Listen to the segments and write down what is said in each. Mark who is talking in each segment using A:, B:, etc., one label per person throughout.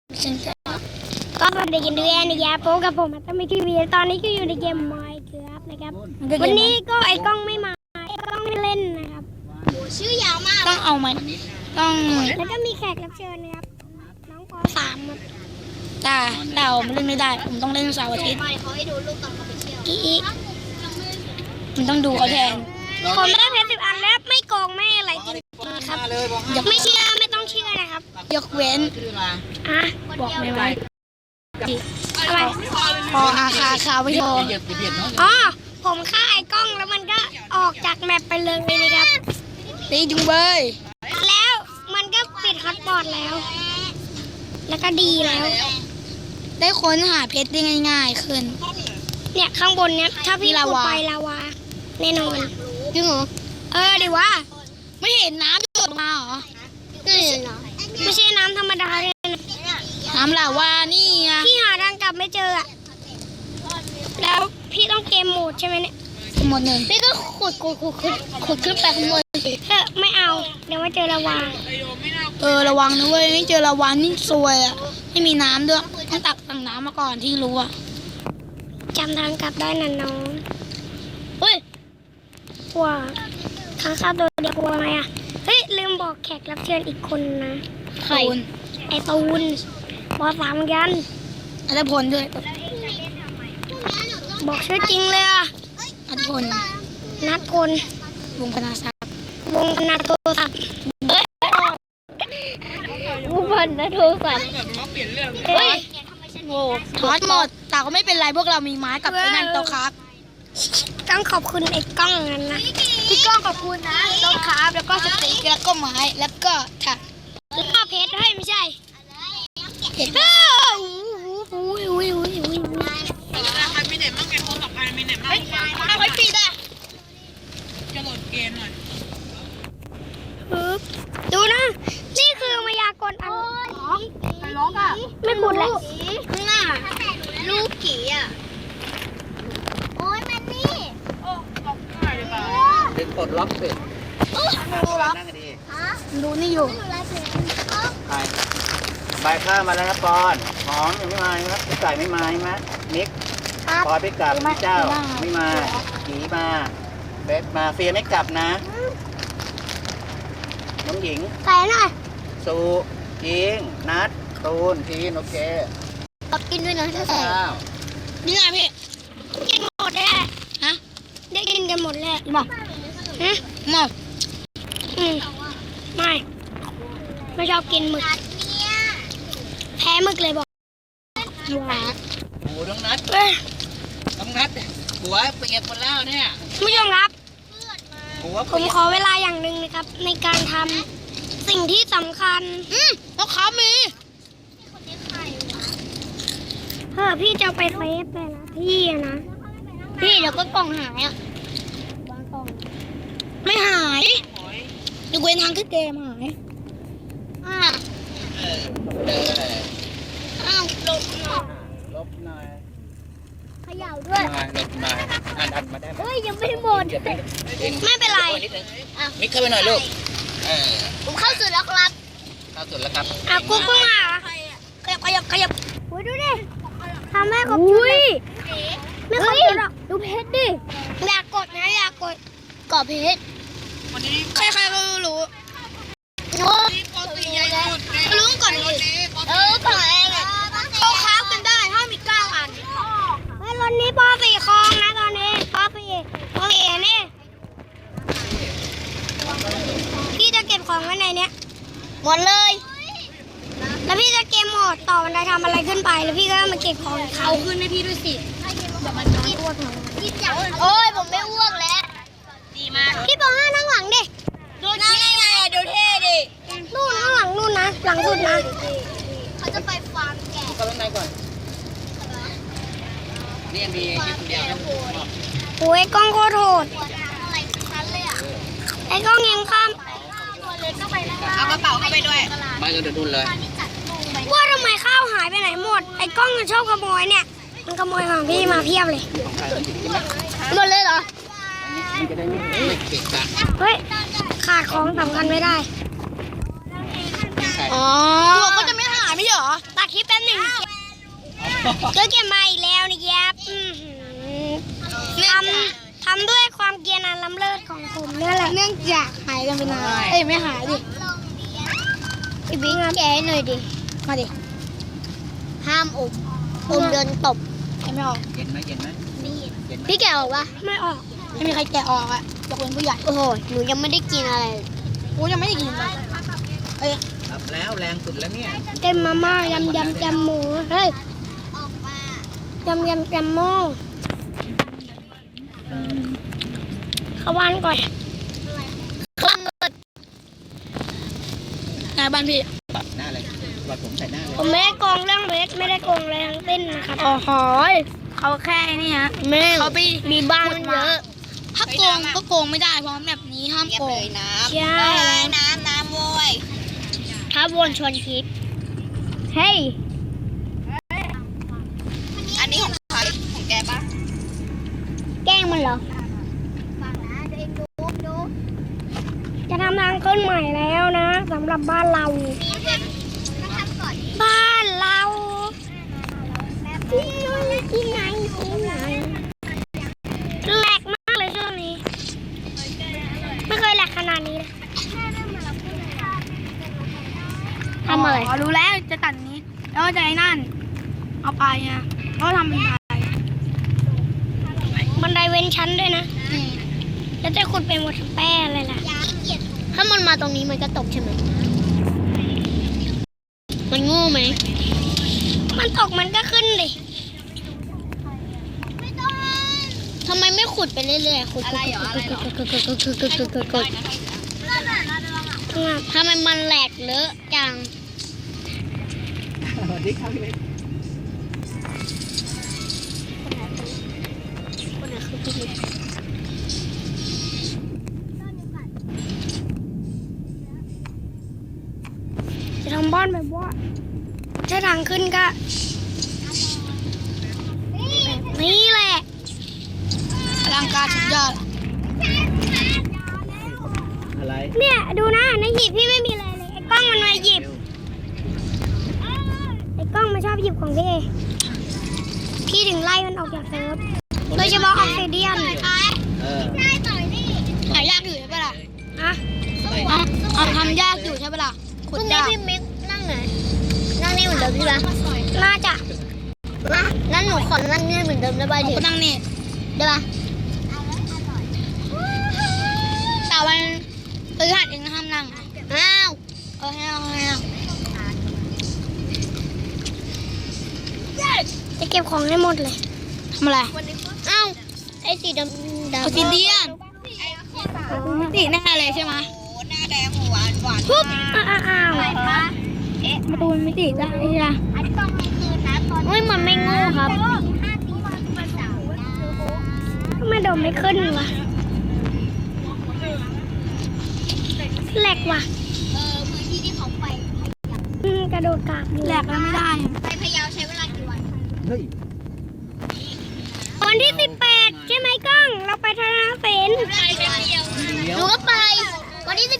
A: ก็สวัสดีกันด้วยนะครับพบกับผมตั้งไม่ทีวีตอนนี้ก็อยู่ในเกม Minecraft นะครับวันนี้ก็ไอ้กล้องไม่มาไอ้กล้องไม่เล่นนะครับชื่อยาวมาก
B: ต้องเอามันต้อง
A: แล้วก็มีแขกรับเชิญนะครับน้องป.3ครับ
B: แต่ผมเล่นไม่ได้ผมต้องเล่นเสาร์อาทิตย์
A: เขาให้ดูรูปตอนเขาไปเที่ยว
B: มันต้องดูเขาแทน
A: ผมได้เพชร10 อันแล้วไม่โกงไม่อะไรจริงๆครับไม่เชื่อไม่ต้องเชื่อนะครับ
B: ยกเว้นบอกไม่ไหว
A: อะไร
B: พออาคาคาไม่พอ
A: อ๋อผมฆ่าไอ้กล้องแล้วมันก็ออกจากแมปไปเลยนะครับ
B: ตีจุงเบย
A: แล้วมันก็ปิดฮอตบอทแล้วก็ดีแล้ว
B: ได้ค้นหาเพชรได้ง่ายๆขึ้น
A: เนี่ยข้างบนเนี้ยถ้าพี่ขุดไปลาวาแน่นอน
B: จริงเหรอ
A: ดิว่า
B: ไม่เห็นน้ำหยดมาเหรอ
A: ไม่ใช่น้ำธรรมดาเลย
B: น้ำลาวานี่ไง
A: พี่หาทางกลับไม่เจอแล้วพี่ต้องเกมโหมดใช่ไหมเนี่ย
B: หมดหนึ่ง
A: พี่ก็ขุดขึ้นไปข้างบนไม่เอาเดี๋ยวไม่เจอลาวา
B: ระวังนะเว้ยไม่เจอลาวานี่ซวยอ่ะไม่มีน้ำด้วยต้องตักน้ำมาก่อนที่รู้อ่ะ
A: จำทางกลับได้นะน้องเฮ้ยกลัวทางเข้าตัวเดียวกลัวไหมอ่ะเฮ้ยลืมบอกแขกรับเชิญอีกคนนะ
B: ใคร
A: ไอตูนป.3เหมือนกัน
B: อัตพลด้วย
A: บอกชื่อจริงเลยอ่ะ
B: อัตพล
A: นัทพล
B: วงพนาศักดิ์
A: วงพนาโทรศัพท์วงพนาโทรศัพท์
B: เฮ้ยโง่ทอดหมดแต่ก็ไม่เป็นไรพวกเรามีไม้กับไอ้นั่นโตครับ
A: ต้องขอบคุณไอ้กล้องนั่นนะ
B: พี่ก้องขอบคุณนะโตครับแล้วก็สติ๊กแล้วก็ไม้แล้วก็ถัก
A: แล้วก็เพชรให้ไม่ใช่
B: เพชร
C: ใครมีเน็ตมั่งแกโทรศัพท์ใครมีเน็ตมั่ง
B: เอาไว้ปีด
C: จะโหลดเกมหน่อย
A: ดูนะนี่คือมายากลอัน
B: ใครร้องอ่ะ
A: ไม่ขุดแล้ว
B: น่ะ
A: ลูกกี่อ่ะโอ้ยมันนี่
C: เป็นปลดล็อกเสร็จ
B: ดูล็อกดูนี่อยู่
C: ใบข้าวมาแล้วครับปอนหอมยังไม่มาครับพี่ไก่ไม่มาใช่ไหมนิกปอนพี่กลับพี่เจ้าไม่มาผีมาเบสมาเฟียไม่กลับนะน้องหญิง
A: ใส่หน่อย
C: สูยิงนัดตูนทีนโอเค
A: กินด้วยนะถ้าใส่
B: นี่ไงพี่
A: กินหมดแล้ว
B: ฮะ
A: ได้กินกันหมดแล้ว
B: บอกหมด
A: ไม่ชอบกินหมึกแพ้หมึกเลยบอก
C: โอ้น้องนัดหัวเปียกหมดแล้วเนี่ย
A: ผู้ชมครับผมขอเวลาอย่างหนึ่งนะครับในการทำสิ่งที่สำคัญ
B: แล้วเขามี
A: พี่จะไปเซฟแต่ละที่นะพี่เดี๋ยวก็กล่องหาย
B: ไม่หายยกเว้นทางขึ้นเกมหาย
C: ลบหน่อย
A: เขย่าด้วย
C: ลบหน่อยอันมาได้ไหม
A: ยังไม่หมดไม่เป็นไร
C: มิกเข้าไปหน่อยลูก
A: ผมเข้าสุดแล้วครับ
C: เข้าสุดแล้วครับ
A: กูเพิ่งมาขยับโอ้ยดูดิทำแม่ขอบคุณไม่ขอบคุณหรอกดูเพชรดิอยากกดนะอยากกดกอเพชร
B: ใครๆก็รู้
A: รู้ก่อนเลยก่อนเองโตค้ากันได้ถ้ามี9 อันรถนี้ป.4 คลองนะตอนนี้ป.4นี่พี่จะเก็บของไว้ในเนี้ยหมดเลยแล้วพี่จะเกมโหมดต่อบันไดทำอะไรขึ้นไปแล้วพี่ก็มาเก็บของ
B: เอาขึ้นให้พี่ด้วยสิ
A: เดี๋ยวมันจะอ้วกหน่อยโอ้ยผมไม่อ้วกแล้ว
B: ดีมาก
A: พี่ป.5นั่งหลังดิ
B: ดูนั่งไงดูเท่ดิ
A: นู่นข้างหลังนู่นนะหลังสุดนะเขาจะไปฟาร์มแกะ
C: เข้าข้างในก่อนนี่มีคลิปเดียว
A: โอ้ยกล้องโคตรโหดไอ้กล้องยังข้าม
B: เอากระเป๋าเข้าไปด้วย
C: ไม่ก็เดินดุนเลย
A: ว่าทำไมข้าวหายไปไหนหมดไอ้กล้องมันชอบขโมยเนี่ยมันขโมยของพี่มาเพียบเลยหมดเลยเหรอเฮ้ยขาดของสำคัญไม่ได้
B: ตัวก็จะไม่หายไม่เหรอ
A: ตัดคลิปก็เก็บมาอีกแล้วนี่ครับทำด้วยความเกรียรอันล้ำเลิศของผมนี่แหละ
B: เนื่องจากหายกันไปนานเอ้ยไม่หายดิ
A: พี่บิ๊กแกะให้หน่อยดิ
B: มาดิ
A: ห้ามอมโดนตบ
B: ไม่ออก
C: เย็นไหมเย็นไหมเย็นไหม
A: พี่แกะออกปะไม่ออก
B: ไม่มีใครแกะออกอะยกเว้นผู้ใหญ่
A: โอ้โหหนูยังไม่ได้กินอะไร
B: กูยังไม่ได้กินเลยเอ้ย
C: รับแล้วแรงสุดแล้วเนี่ย
A: เต็มมาม่ายำจำหมูเฮ้ยยำจำหมูเข้าบ้านก่อนเข้าบ้านก่อน
B: นายบ้านพี่
C: ปัดหน้าเลยปัดผมใส่หน้าเลย
A: ผมไม่ได้โกงเรื่องเวทไม่ได้โกงอะไรทั้งสิ้นนะครับ
B: โอ้โหเขาแค่นี่ฮะ
A: แม่
B: เขาไป
A: มีบ้านมันเยอะ
B: ถ้าโกงก็โกงไม่ได้เพราะแบบนี้ห้ามโกง
A: ใช่
B: น้ำโวย
A: ถ้าวนชวนคิดเฮ้ย
B: อันนี้ของใครของแกปะ
A: แกล้งมันเหรอจะทำทางขึ้นใหม่แล้วนะสำหรับบ้านเราบ้านเราที่ไหนแหลกมากเลยช่วงนี้ไม่เคยแหลกขนาดนี้เลยทำอะไร
B: รู้แล้วจะตัดนี้ แล้วจะไอ้นั่น เอาไปอ่ะแล้วทำเป็นไง
A: บันไดเว้นชั้นด้วยนะแล้วจะขุดไปหมดทั้งแป้อะไรล่ะถ้ามันมาตรงนี้มันก็ตกใช่ไหมมันโง่ไหมมันตกมันก็ขึ้นดิทำไมไม่ขุดไปเรื่อยๆขุดอะไรหรอทำไมมันแหลกเลอะจัง
C: สวัสดีครับพี่เล็ก
A: จะทำบ้านแบบว่าถ้าทางขึ้นก็แบบนี้แหละ
B: อลังการสุดยอด
C: อะไร
A: เนี่ยดูนะในหีบพี่ไม่มีอะไรเลยไอ้กล้องมันมาหยิบไอ้กล้องมันชอบหยิบของพี่พี่ถึงไล่มันออกจากเซิร์ฟโดยเฉพาะออกซิเดียน
C: เออ
B: หายากอยู่ใช่ปะล่ะ
A: ฮะ
B: เอาทำยากอยู่ใช่ปะล่ะ
A: พรุ่งนี้พี่มิกนั่งไหนนั่งนี่เหมือนเดิมใช่ไหมน่าจะนั่นหนูขอนั่งนี่เหมือนเดิมได้ป่ะ
B: ผม
A: ดิ
B: ก็นั่งนี่
A: ได้ป่ะ
B: แต่วันพฤหัสเองนะห้ามนั่ง
A: อ้าว
B: ให้เอา
A: จะเก็บของให้หมดเลย
B: ทำอะไร
A: อ้าวไอ้สีดำ
B: เอาซีเดียนมิติแน่เลยใช่ไหม
A: ปุ๊บอ้าว
B: ประตูมิติได้ใช่ไหม
A: เฮ้ยมันไม่โง่ครับทำไมโดมไม่ขึ้นวะแหลกว่ะกระโดดกากอยู่
B: แหลกแล้วไม่ได้
C: เฮ้ย
A: วันที่ 18 ใช่ไหมกล้อง เราไปทางเสน
C: เดี๋ยว
A: หนูก็ไป วันที่ 18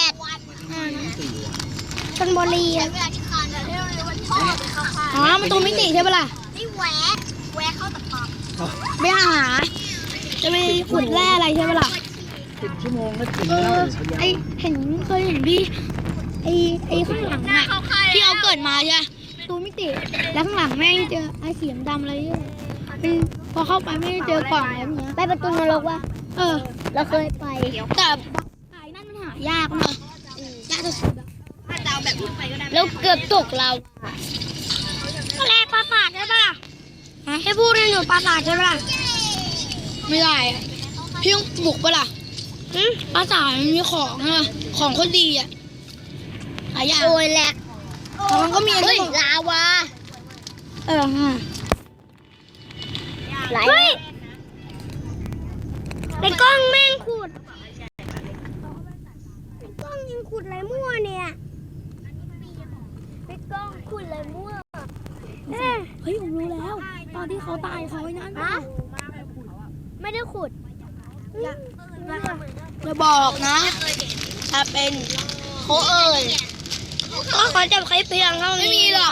A: ชลบุรีอะ
B: อ๋อประตูมิติใช่ปะล่ะ
A: นี่แหวะเข้าตะปบ
B: ไปหาจะไปขุดแร่อะไรใช่ปะล่ะ
C: 10 ชั่วโมงแล้วถึงแล้ว
B: ไอเคยเห็นพี่ไอข้างหลังอะที่เราเกิดมาใช่ไหมประตูมิติ แล้วข้างหลังแม่งเจอไอเสียมดำอะไรเนี่ยเป็นพอเข้าไปไม่ได้เจอกล่องอะไรพวกเนี้ย
A: ไปประตูนรกวะ เราเคยไป
B: แต่ไอ้นั่นมันหายากมากยากสุดๆอะ
A: แล้วเกือบตกเราแรกปราสาทใช่ปะล่ะให้พูดให้หนูปราสาทใช่ปะล่ะ
B: ไม่ได้อะพี่ต้องบุกปะล่ะภาษามันมีของอะของคนดีอะหายาก
A: โอ้ยแหลก
B: แต่มันก็มีอะไร
A: เฮ้ย
B: บอก
A: ลาวา
B: ฮะ
A: เฮ้ยไอ้กล้องแม่งขุดไอ้กล้องยังขุดอะไรมั่วเนี่ยไอ้กล้องขุดอะไรมั่ว
B: เฮ้ยผมรู้แล้ว ตอนที่เขาตายเขาไอ้นั่น
A: ฮะไม่ได้ขุด
B: จะบอกนะ ถ้าเป็น
A: เขาเอ่ยก็เขาจะใช้เพียงเท่านี้
B: ไม่มีหรอก